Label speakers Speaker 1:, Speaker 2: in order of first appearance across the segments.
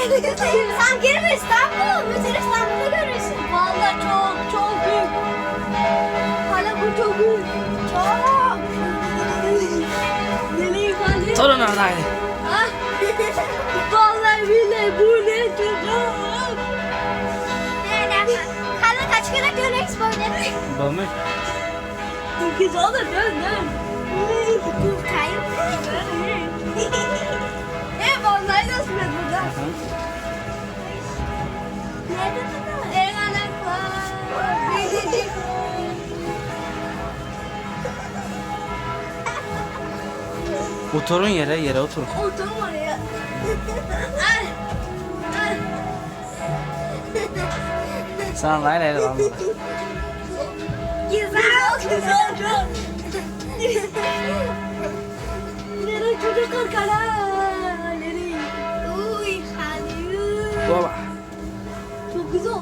Speaker 1: Sen girme İstanbul. Bütün İstanbul'u görürsün.
Speaker 2: Vallahi çok büyük. Hala bu çok büyük. Çok. Nereye kaldı?
Speaker 3: Torun oradaydı.
Speaker 2: Ah. Vallahi billahi bu ne çocuk.
Speaker 1: Hala kaç kere dönek böyle.
Speaker 3: Bamı.
Speaker 2: Kız olur dön.
Speaker 1: Kayıp.
Speaker 2: Vallahi nasıl burada?
Speaker 1: Nerede tutalım?
Speaker 2: En anak var.
Speaker 3: Oturun yere oturun.
Speaker 2: Oturma oraya.
Speaker 3: Sen lan el lan.
Speaker 1: Güzel.
Speaker 2: Çok. Nereye çocuk korkar ha? Nereye?
Speaker 1: Uy hadi.
Speaker 3: Baba.
Speaker 2: Çok güzel.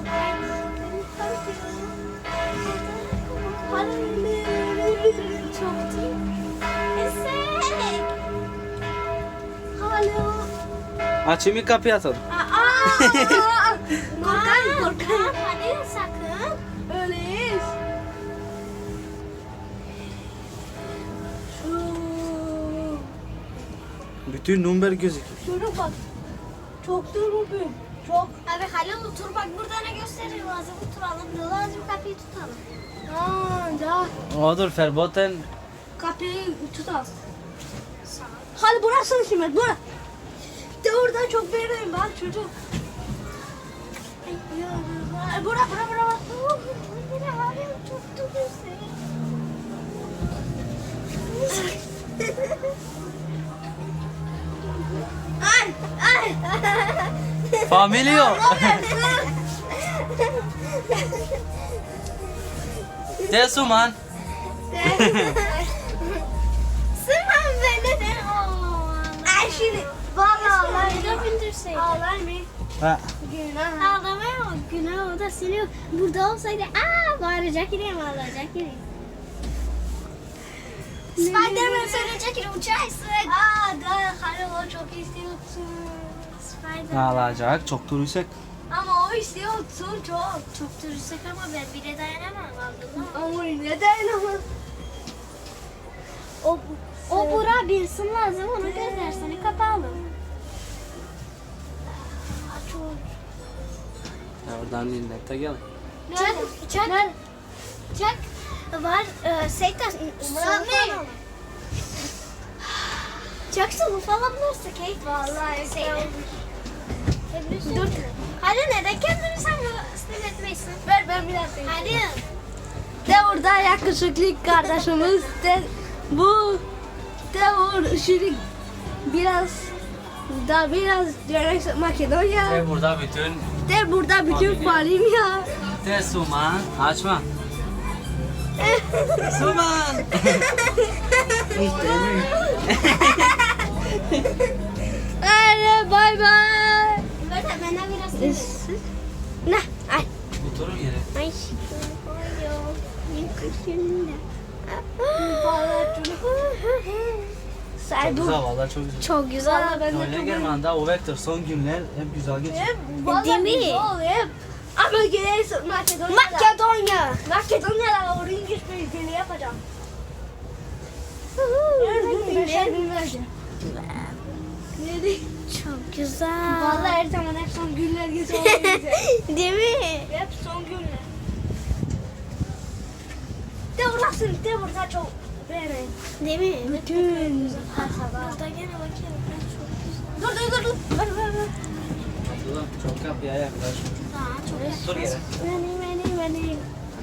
Speaker 2: Çok iyi.
Speaker 1: Esek.
Speaker 2: Alo.
Speaker 3: Açayım kapıyı atalım.
Speaker 2: Korkayım.
Speaker 1: Hadi sakın.
Speaker 2: Öyleyiz.
Speaker 3: Bütün number gözüküyor.
Speaker 2: Şuna bak. Çok durgun. Çok.
Speaker 1: Abi Halil otur bak burada ne gösteriyor lazım oturalım. Lazım kapıyı tutalım.
Speaker 2: Da.
Speaker 3: Odur ferboten.
Speaker 2: Kapıyı tutalım. Hadi burası şimdi. Bura. De oradan çok beğenirim bak çocuk. Bura.
Speaker 1: Bir de Halil çok tutuyorsun.
Speaker 2: Ay.
Speaker 3: Familio. Tesuman.
Speaker 1: Sırmam beni de.
Speaker 2: Ay şimdi. Vallahi ağlar mı?
Speaker 3: Ha.
Speaker 2: Günah.
Speaker 1: Ağlamaya bak günah o da seni burada olsaydı bağıracak yine mi ağlayacak yine? Spiderman söyleyecek yine uçarsın.
Speaker 2: Da Halil o çok istiyorsun.
Speaker 1: Spiderman.
Speaker 3: Alacak çok durursak.
Speaker 2: Ama o istiyorsun çok.
Speaker 1: Çok dürüstsek ama ben bile dayanamam Abdullah.
Speaker 2: Ama neden ama?
Speaker 1: O bura bilsin lazım onu gözlersini kapalım.
Speaker 3: Ya oradan millete gel.
Speaker 1: Çak var Seytas
Speaker 2: Umrani.
Speaker 1: Çak sonu falan bulursa Kate
Speaker 2: Vallahi
Speaker 1: Dur. Hadi neden kendini sen sinir etmesin?
Speaker 2: Ver ben biraz
Speaker 1: Hadi.
Speaker 2: De burada yakışıklı kardeşimiz de bu de bu şimdi biraz dönek Makedonya
Speaker 3: Ve burada bütün
Speaker 2: de burada bütün falim ya.
Speaker 3: Tesuman. Açma. Suman.
Speaker 2: Hadi bay bay.
Speaker 1: Böyle bana biraz
Speaker 2: Ne? Ay.
Speaker 3: Oturun yere.
Speaker 1: Ay.
Speaker 3: Çok
Speaker 2: Say bu.
Speaker 3: güzel vallahi çok güzel.
Speaker 1: Çok güzel.
Speaker 2: Valla ben de
Speaker 3: Öyle
Speaker 2: çok
Speaker 3: German'da o vektör son günler hep güzel geçiyor.
Speaker 2: Vallahi
Speaker 1: Değil mi?
Speaker 2: güzel hep. Ama gelirsin Makedonya'da.
Speaker 1: Makedonya.
Speaker 2: Makedonya'da oraya gitmeyi seni yapacağım. Beşer bin vereceğim.
Speaker 1: Çok güzel.
Speaker 2: Vallahi her zaman hep son günler güzel.
Speaker 1: Değil mi?
Speaker 2: Hep son günler. De orası de burada çok beğenmeyin.
Speaker 1: Değil mi?
Speaker 2: Bütün
Speaker 1: Burada gene bakayım. Çok güzel.
Speaker 2: Dur. Ver.
Speaker 3: Ulan çok kapıya yaklaş.
Speaker 1: Çok
Speaker 3: Dur yere.
Speaker 1: Benim.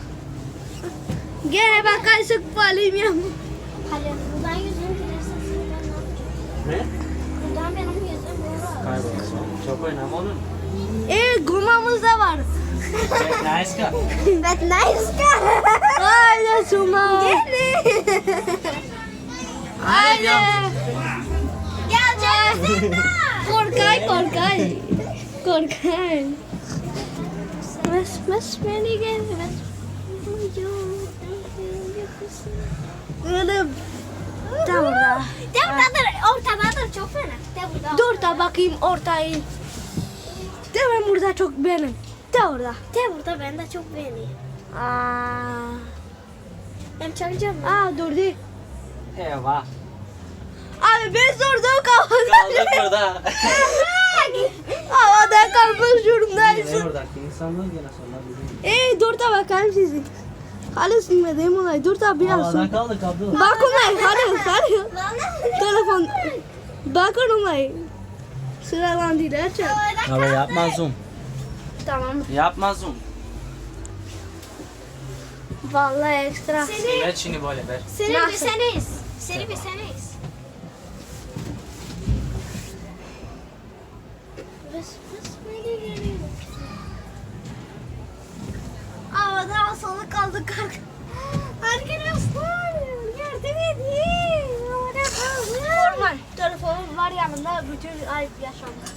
Speaker 2: Gel bak kaysık falim ya.
Speaker 1: Hadi buradan yüzüm gelirse seni ben ne yapacağım?
Speaker 3: Ne?
Speaker 1: Buradan benim yüzüm vurur.
Speaker 3: Kaybolsun. Çok oynama onun.
Speaker 2: Gumamız da var.
Speaker 3: Nice ka.
Speaker 1: But nice guy.
Speaker 2: Haydi Suma. Haydi.
Speaker 1: Gel canım.
Speaker 2: Korkay. Mes beni gel. Oğlum. De burada.
Speaker 1: De buradadır. Ortadadır. Çok fena. De burada.
Speaker 2: Dur da bakayım ortayı. De ben burada çok beğendim. De orada.
Speaker 1: De burada ben de çok beğeniyorum.
Speaker 2: Aa.
Speaker 1: Hem çalacağım mı?
Speaker 2: Aa dur değil.
Speaker 3: Eyvah.
Speaker 2: Abi biz durduk havada.
Speaker 3: Kaldık burada.
Speaker 2: Havada kalmış
Speaker 3: Yine
Speaker 2: durumdaysın.
Speaker 3: buradaki insanlar gene sonra bizim.
Speaker 2: Dur da bakayım sizi. Hadi sinmediğim olay. Dur da biraz
Speaker 3: Havada
Speaker 2: sonra.
Speaker 3: kaldık Abdullah.
Speaker 2: Bak olay. Hadi. Telefon. Bakın olay. Sıralan değil. Açın.
Speaker 3: Ama yapma zoom.
Speaker 2: Tamam.
Speaker 3: Yapma zoom.
Speaker 2: Vallahi ekstra.
Speaker 1: Seni,
Speaker 3: Ver şimdi böyle ver.
Speaker 1: seni
Speaker 2: Nasıl?
Speaker 1: bir seneyiz. Seni bir seneyiz.
Speaker 2: Havada asılı kaldık.
Speaker 1: Arkadaşlar yardım edin. Orada kaldım.
Speaker 2: Normal. Telefonum var yanımda. Bütün ayıp yaşandı.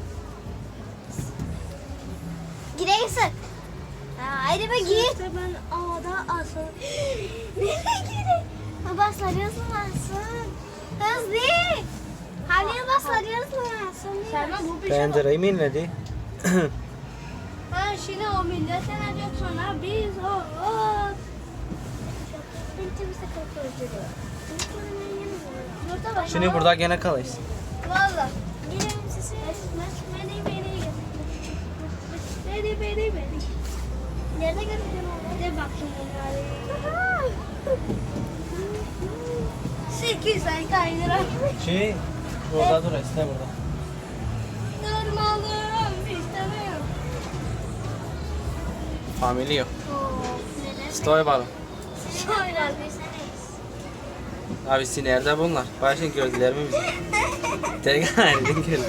Speaker 1: Gideyorsun. Haydi be git.
Speaker 2: İşte ben havada asılı.
Speaker 1: Nereye gidiyorsun? Baslarıyorsun basın. Hızlı. Havaya baslarıyorsun.
Speaker 2: Selma bu bir şey.
Speaker 3: Pencereyi mi inledi?
Speaker 2: Ha şimdi o millet senecek sonra biz o. Burada bak.
Speaker 3: Şimdi burada gene kalıyız.
Speaker 2: Valla. Beni.
Speaker 1: Nerede görüyorsun onu?
Speaker 2: De bakayım onları. 8 ay kaydırak.
Speaker 3: Şey burada dur işte burada.
Speaker 2: Normalim istemiyorum.
Speaker 3: Familya yok. Stoy balı.
Speaker 2: Şöyle.
Speaker 3: Abisi nerede bunlar? Başın gördüler mi bizi? Tek halin gördü.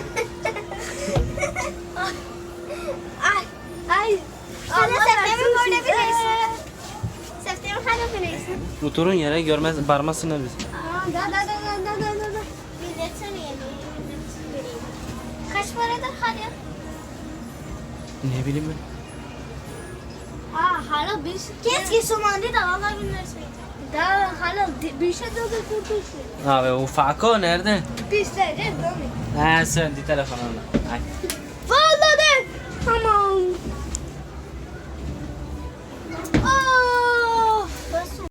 Speaker 2: Ay.
Speaker 1: Hadi
Speaker 2: Allah
Speaker 1: Septem'in
Speaker 2: versin
Speaker 1: böyle
Speaker 2: size.
Speaker 1: bilirsin. Septem'in hadi bilirsin.
Speaker 3: Oturun yere görmez barmasınlar bizi.
Speaker 2: Da.
Speaker 1: Millet seni yeniyor. Kaç paradır hadi?
Speaker 3: Ne bileyim ben.
Speaker 2: Hala bir şey.
Speaker 1: Keşke Somali de Allah bilirsin.
Speaker 2: Da hala bir şey de kurtulsun.
Speaker 3: Abi ufako nerede?
Speaker 2: Biz de değil mi?
Speaker 3: Ha söndü telefonunu. Ay.
Speaker 2: Vallahi de. Ama